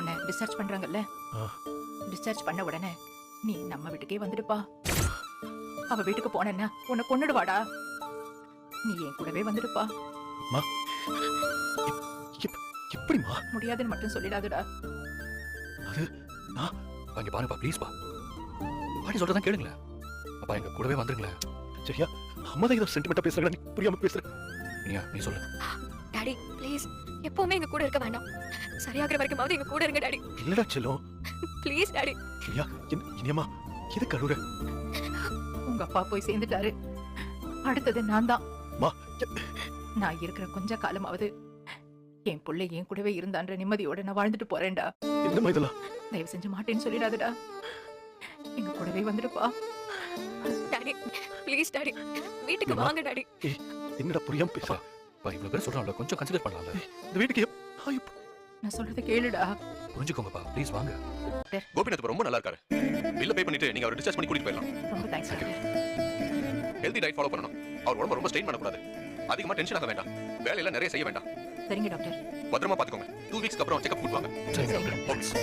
உன்னை டிஸ்சார்ஜ் பண்றாங்கல்ல, டிஸ்சார்ஜ் பண்ண உடனே நீ நம்ம வீட்டுக்கே வந்துடுப்பா. அவ வீட்டுக்கு போனேன்னா உன்னை கொன்னுடுவாடா. நீ என் கூடவே வந்துடுப்பா. எப்படிமா? முடியாதுன்னு மட்டும் சொல்லிடாதுடா. அது நான் அங்க பாருப்பா, ப்ளீஸ் பா. பாட்டி சொல்றதான் கேளுங்களேன். அப்பா எங்க கூடவே வந்துருங்களேன். சரியா? அம்மா தான் ஏதோ சென்டிமெண்டா பேசுறாங்க, நீ புரியாம பேசுற. நீ சொல்லு. டாடி ப்ளீஸ், எப்பவுமே எங்க கூட இருக்க வேண்டாம். சரியாகிற வரைக்குமாவது எங்க கூட இருங்க டாடி. இல்லடா செல்லம். Please daddy. இல்லையா? இனியம்மா எது கழுவுற? உங்க அப்பா போய் சேர்ந்துட்டாரு. அடுத்தது நான் தான். மா, நான் இருக்கிற கொஞ்ச காலமாவது என் புள்ளை என் கூடவே இருந்தான்ற நிம்மதியோட நான் வாழ்ந்துட்டு போறேன்டா. என்னம்மா இதெல்லாம்? தயவு செஞ்சு மாட்டேன்னு சொல்லிடாதடா. எங்க கூடவே வந்துடுப்பா. டாடி ப்ளீஸ் டாடி, வீட்டுக்கு வாங்க டாடி. என்னடா புரியாம பேசுற? பா இவ்வளவு பேர் சொல்றாங்கல, கொஞ்சம் கன்சிடர் பண்ணலாம்ல. இந்த வீட்டுக்கு நான் சொல்றத கேளுடா. புரிஞ்சுக்கோங்கப்பா, ப்ளீஸ் வாங்க. கோபிநாத் ரொம்ப நல்லா இருக்காரு. பில்ல பே பண்ணிட்டு நீங்க அவரை டிஸ்சார்ஜ் பண்ணி கூட்டிட்டு போயிடலாம். ரொம்ப தேங்க்ஸ். ஹெல்தி டயட் ஃபாலோ பண்ணணும். அவர் உடம்ப ரொம்ப ஸ்ட்ரெயின் பண்ணக்கூடாது. அதிகமா டென்ஷன் ஆக வேண்டாம். வேலையெல்லாம் நிறைய செய்ய வேண்டாம். சரிங்க டாக்டர். பத்திரமா பாத்துக்கோங்க. 2 வீக்ஸ்க்கு அப்புறம் செக்அப் கூட்டு வாங்க. சரிங்க சரிங்க. டாக்டர்.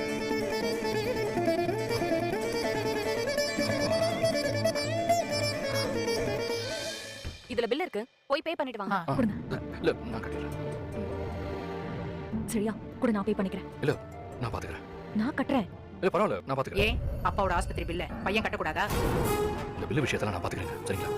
இதுல பில் இருக்கு, போய் பே பண்ணிட்டு வாங்க. இல்ல நான் கட்டிடுறேன். சரியா? கூட நான் பே பண்ணிக்கிறேன். இல்ல நான் பாத்துக்கிறேன். நான் கட்டுறேன். இல்ல பரவாயில்ல, நான் பாத்துக்கிறேன். ஏன் அப்பாவோட ஆஸ்பத்திரி பில்ல பையன் கட்டக்கூடாதா? இந்த பில்லு விஷயத்தெல்லாம் நான் பாத்துக்கிறேன். சரிங்களா?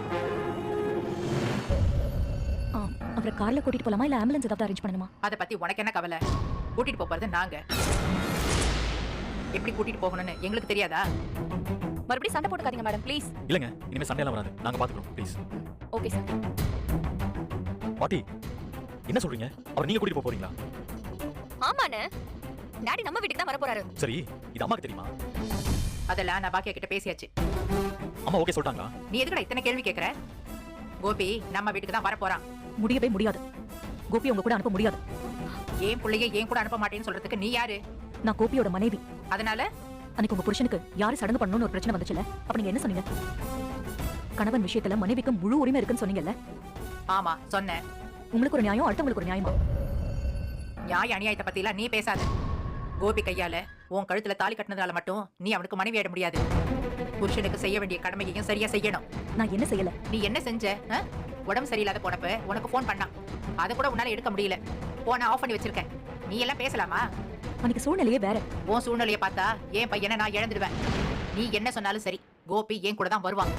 அவரை கார்ல கூட்டிட்டு போலாமா இல்ல ஆம்புலன்ஸ் ஏதாவது அரேஞ்ச் பண்ணணுமா? அத பத்தி உனக்கு என்ன கவலை? கூட்டிட்டு போறது நாங்க. எப்படி கூட்டிட்டு போகணும்னு எங்களுக்கு தெரியாதா? மறுபடியும் சண்டை போட்டுக்காதீங்க மேடம் ப்ளீஸ். இல்லங்க, இனிமே சண்டை எல்லாம் வராது. நாங்க பாத்துக்கிறோம் ப்ளீஸ். Okay sir. பாட்டி என்ன சொல்றீங்க? அவர் நீங்க கூட்டிட்டு போறீங்களா? ஆமாண்ணே, டாடி நம்ம வீட்டுக்கு தான் வர போறாரு. சரி, இது அம்மாக்கு தெரியுமா? அதெல்லாம் நான் பாக்கியா கிட்ட பேசியாச்சு. அம்மா ஓகே சொல்லிட்டாங்களா? நீ எதுக்குடா இத்தனை கேள்வி கேக்குற? கோபி நம்ம வீட்டுக்கு தான் வர போறான். முடியவே முடியாது. கோபி உங்க கூட அனுப்ப முடியாது. ஏன் புள்ளைய ஏன் கூட அனுப்ப மாட்டேன்னு சொல்றதுக்கு நீ யாரு? நான் கோபியோட மனைவி. அதனால அன்னைக்கு உங்க புருஷனுக்கு யாரு சடங்கு பண்ணணும்னு ஒரு பிரச்சனை வந்துச்சுல, அப்ப நீங்க என்ன சொன்னீங்க? கணவன் விஷயத்துல மனைவிக்கு முழு உரிமை இருக்குன்னு சொன்னீங்கல்ல? ஆமா சொன்னேன். உங்களுக்கு ஒரு நியாயம், அடுத்தவங்களுக்கு ஒரு நியாயமா? நியாய அநியாயத்தை பத்தி எல்லாம் நீ பேசாத. கோபி கையால உன் கழுத்துல தாலி கட்டினதால மட்டும் நீ அவனுக்கு மனைவி ஆயிட முடியாது. புருஷனுக்கு செய்ய வேண்டிய கடமையையும் சரியா செய்யணும். நான் என்ன செய்யல? நீ என்ன செஞ்ச? உடம்பு சரியில்லாத போனப்ப உனக்கு போன் பண்ணான். அதை கூட உன்னால எடுக்க முடியல. போனை ஆஃப் பண்ணி வச்சிருக்கேன். நீ எல்லாம் பேசலாமா? அன்னைக்கு சூழ்நிலையே வேற. உன் சூழ்நிலையை பார்த்தா என் பையனை நான் இழந்துடுவேன். நீ என்ன சொன்னாலும் சரி, கோபி என் கூட தான் வருவான்.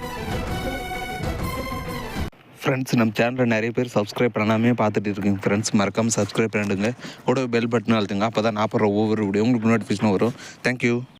ஃப்ரெண்ட்ஸ், நம்ம சேனலில் நிறைய பேர் சப்ஸ்கிரைப் பண்ணாமே பார்த்துட்டு இருக்கீங்க ஃப்ரெண்ட்ஸ். மறக்காமல் சப்ஸ்கிரைப் பண்ணிடுங்க. கூட பெல் பட்டன் அழுத்துங்க. அப்போ தான் நான் போடுற ஒவ்வொரு வீடியோ உங்களுக்கு நோட்டிஃபிகேஷன் வரும். தேங்க்யூ.